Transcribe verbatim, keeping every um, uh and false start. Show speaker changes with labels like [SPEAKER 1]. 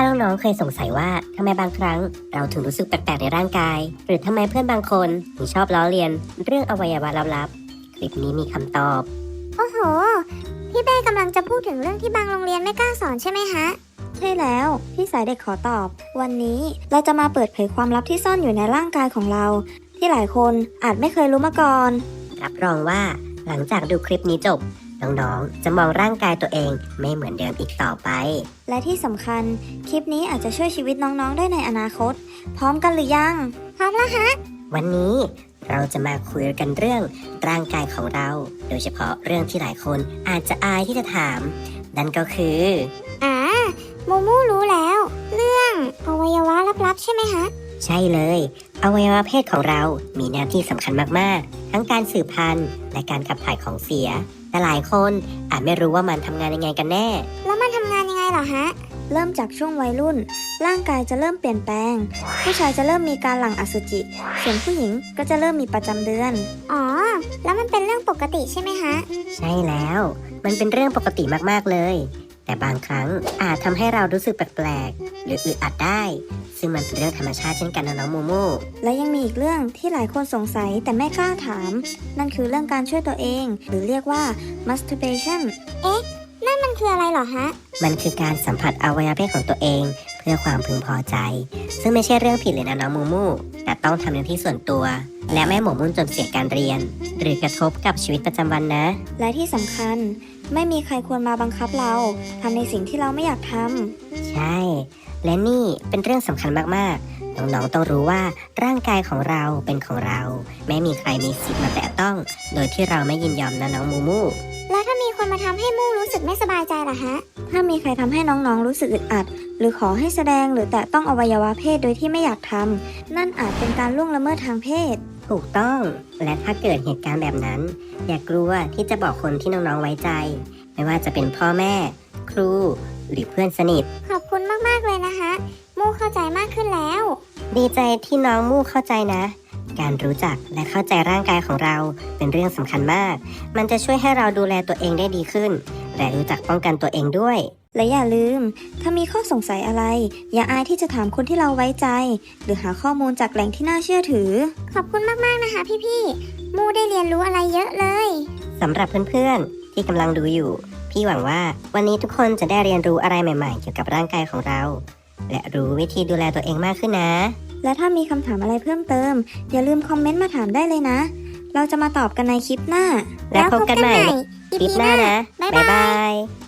[SPEAKER 1] าน้องๆเคยสงสัยว่าทำไมบางครั้งเราถึงรู้สึกแปลกๆในร่างกายหรือทำไมเพื่อนบางคนถึงชอบล้อเลียนเรื่องอวัยวะลับๆคลิปนี้มีคำตอบ
[SPEAKER 2] โอ้โห พี่เป้กำลังจะพูดถึงเรื่องที่บางโรงเรียนไม่กล้าสอนใช่ไหมฮะ
[SPEAKER 3] ใช่แล้วพี่สายเด็กขอตอบ วันนี้เราจะมาเปิดเผยความลับที่ซ่อนอยู่ในร่างกายของเรา ที่หลายคนอาจไม่เคยรู้มาก่อน
[SPEAKER 1] รับรองว่าหลังจากดูคลิปนี้จบน้องๆจะมองร่างกายตัวเองไม่เหมือนเดิมอีกต่อไป
[SPEAKER 3] และที่สำคัญคลิปนี้อาจจะช่วยชีวิตน้องๆได้ในอนาคต พร้อมกันหรือยัง
[SPEAKER 2] พร้อมแล้วฮะ
[SPEAKER 1] วันนี้เราจะมาคุยกันเรื่องร่างกายของเรา โดยเฉพาะเรื่องที่หลายคนอาจจะอายที่จะถาม นั่นก็คือ
[SPEAKER 2] อ่าโมมูรู้แล้ว เรื่องอวัยวะลับๆใช่ไหมฮะ
[SPEAKER 1] ใช่เลยอวัยวะเพศของเรามีหน้าที่สำคัญมากๆทั้งการสืบพันธุ์และการขับถ่ายของเสียแต่หลายคนอาจไม่รู้ว่ามันทำงานยังไงกันแน่
[SPEAKER 2] แล้วมันทำงานยังไงเหรอฮะ
[SPEAKER 3] เริ่มจากช่วงวัยรุ่น ร่างกายจะเริ่มเปลี่ยนแปลง ผู้ชายจะเริ่มมีการหลั่งอสุจิ ส่วนผู้หญิงก็จะเริ่มมีประจำเดือน
[SPEAKER 2] อ๋อ แล้วมันเป็นเรื่องปกติใช่ไหมฮะ
[SPEAKER 1] ใช่แล้ว มันเป็นเรื่องปกติมากๆเลย แต่บางครั้งอาจทำให้เรารู้สึกแปลกๆหรืออึดอัดได้ ซึ่งมันเป็นเรื่องธรรมชาติเช่นกันนะน้องมูมู
[SPEAKER 3] และยังมีอีกเรื่องที่หลายคนสงสัยแต่ไม่กล้าถาม นั่นคือเรื่องการช่วยตัวเอง หรือเรียกว่า masturbation
[SPEAKER 2] นั่นมันคืออะไรเหรอฮะ
[SPEAKER 1] มันคือการสัมผัสอวัยวะเพศของตัวเอง เพื่อความพึงพอใจ ซึ่งไม่ใช่เรื่องผิดเลยนะน้องมูมู แต่ต้องทำในที่ส่วนตัว และไม่หมกมุ่นจนเสียการเรียน หรือกระทบกับชีวิตประจำวันนะ
[SPEAKER 3] และที่สำคัญไม่มีใครควรมาบังคับเราทำในสิ่งที่เราไม่อยากทำ
[SPEAKER 1] ใช่ และนี่เป็นเรื่องสำคัญมากๆ น้องๆต้องรู้ว่าร่างกายของเราเป็นของเรา ไม่มีใครมีสิทธิ์มาแตะต้อง โดยที่เราไม่ยินยอมนะน้องมูมู
[SPEAKER 2] แล้วถ้ามีคนมาทำให้มูรู้สึกไม่สบายใจล่ะฮะ
[SPEAKER 3] ถ้ามีใครทำให้น้องๆรู้สึกอึดอัด หรือขอให้แสดงหรือแตะต้องอวัยวะเพศโดยที่ไม่อยากทำนั่นอาจเป็นการล่วงละเมิดทางเพศ
[SPEAKER 1] ถูกต้อง และถ้าเกิดเหตุการณ์แบบนั้น อย่ากลัวที่จะบอกคนที่น้องๆไว้ใจ ไม่ว่าจะเป็นพ่อแม่ ครู หรือเพื่อนสนิท
[SPEAKER 2] ขอบคุณมากๆเลยนะฮะ มูเข้าใจมากขึ้นแล้ว
[SPEAKER 1] ดีใจที่น้องมู่เข้าใจนะ การรู้จักและเข้าใจร่างกายของเราเป็นเรื่องสำคัญมาก มันจะช่วยให้เราดูแลตัวเองได้ดีขึ้น และรู้จักป้องกันตัวเองด้วย
[SPEAKER 3] และอย่าลืม ถ้ามีข้อสงสัยอะไร อย่าอายที่จะถามคนที่เราไว้ใจ หรือหาข้อมูลจากแหล่งที่น่าเชื่อถือ
[SPEAKER 2] ขอบคุณมากๆนะคะพี่ๆ มูได้เรียนรู้อะไรเยอะเลย
[SPEAKER 1] สำหรับเพื่อนๆที่กำลังดูอยู่ พี่หวังว่าวันนี้ทุกคนจะได้เรียนรู้อะไรใหม่ๆ เกี่ยวกับร่างกายของเรา และรู้วิธีดูแลตัวเองมากขึ้นนะ
[SPEAKER 3] และถ้ามีคำถามอะไรเพิ่มเติม อย่าลืมคอมเมนต์มาถามได้เลยนะ เราจะมาตอบกันในคลิปหน้า
[SPEAKER 1] แล้วพบกันใหม่
[SPEAKER 2] อี
[SPEAKER 1] คลิป
[SPEAKER 2] พี
[SPEAKER 1] หน้านะ
[SPEAKER 2] บ๊าย
[SPEAKER 1] บ๊าย
[SPEAKER 2] บา
[SPEAKER 1] บาย ย